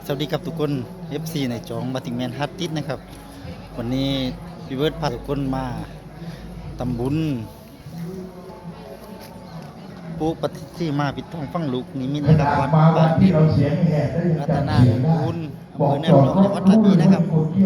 สวัสดีครับทุกคน FC ในจองมาถึงแมนฮัตติสนะครับวันนี้พี่เบิร์ดพาทุกคนมาตำบุญปูปฏิที่มาปิดทองฟังลูกนิมิตนะครับวัดบ้านที่เราเสียงแหบรัตนาบุญอำเภอแนวรองจังหวัดระนองนะครับ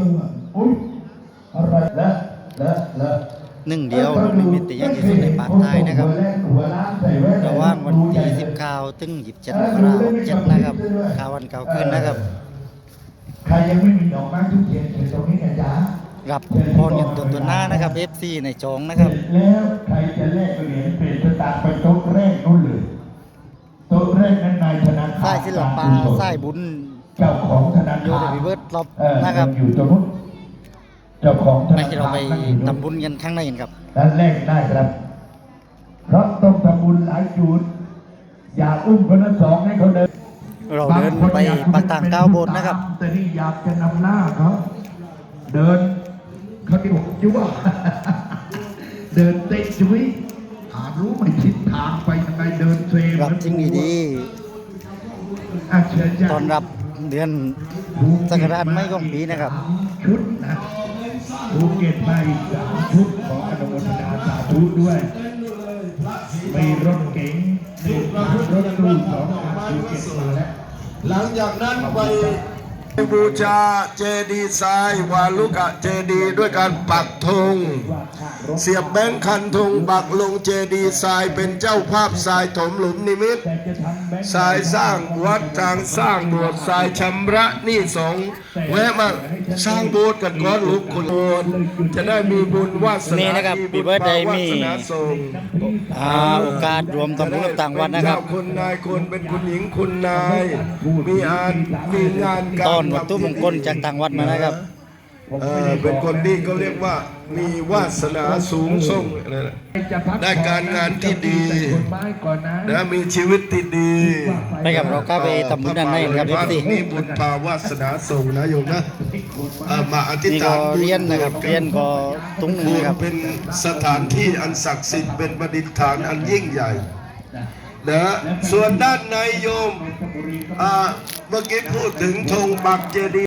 หนึ่งเดียวลูกนิมิตแต่ยังที่สุดในปากใต้นะครับระหว่างวันที่19ถึง27 มกราคม67นะครับข่าววันเก่าขึ้นนะครับใครยังไม่มีดอกไม้ทุกเทียนเชิญตรงนี้นะจ๊ะกับพรกันตัวหน้านะครับ FC ในจองนะครับแล้วใครจะแลกเหรียญเป็นสตางค์ไปโต๊ะแรกนู่นเลยโต๊ะแรกนั้นนายธนาคารสายศิลปะสายบุญเจ้าของธนาคารโยเดวิเบิร์ตรอบนะครับอยู่ตรงนู้นเจ้าของธนาคารเราไปทำบุญกันข้างในกันครับด้านแรกได้ครับเพราะต้องทำบุญหลายจุดอย่าอุ้มคนละสองให้เขาเดินเราเดินไปปากต่างก้าวบนนะครับแต่นี่อยากจะนำหน้าเขาเดินเขาที่บอกจุ๊บเดินเตะจุ้ยหารู้ไม่ทิศทางไปยังไงเดินเซรับจริงดีตอนรับเดือนสักราชไม่ของปีนะครับชุดนะภูเก็ตไป3 ชุดของอนุโมทนาสาธุด้วยมีรถเก๋งรถตู้ของภูเก็ตมาแล้วหลังจากนั้นไปบูชาเจดีย์ทรายวาลุกะเจดีย์ด้วยการปักธงเสียบแบงค์คันธงปักลงเจดีย์ทรายเป็นเจ้าภาพทรายถมหลุมนิมิตทรายสร้างวัดทางสร้างโบสถ์ทรายชำระหนี้สงฆ์แวะมาสร้างโบสถ์กันก่อนลูกคุณโอนจะได้มีบุญวาสนานะครับปีเบิร์ดได้มีโอกาสรวมทำบุญกับต่างวัดนะครับคุณนายคุณเป็นคุณหญิงคุณนายมีงานต้อนวัตถุมงคลจากต่างวัดมานะครับเป็นคนที่เขาเรียกว่ามีวาสนาสูงส่งได้การงานที่ดีและมีชีวิตที่ดีไปกับเราก็ไปทำบุญด้านในครับที่นี่บุญภาวาสนาส่งนะโยมนะมาอธิษฐานเรียนนะครับเรียนก็ตุ้งนะครับเป็นสถานที่อันศักดิ์สิทธิ์เป็นประดิษฐานอันยิ่งใหญ่นะส่วนด้านในโยมเมื่อกี้พูดถึงธงปักเจดีย์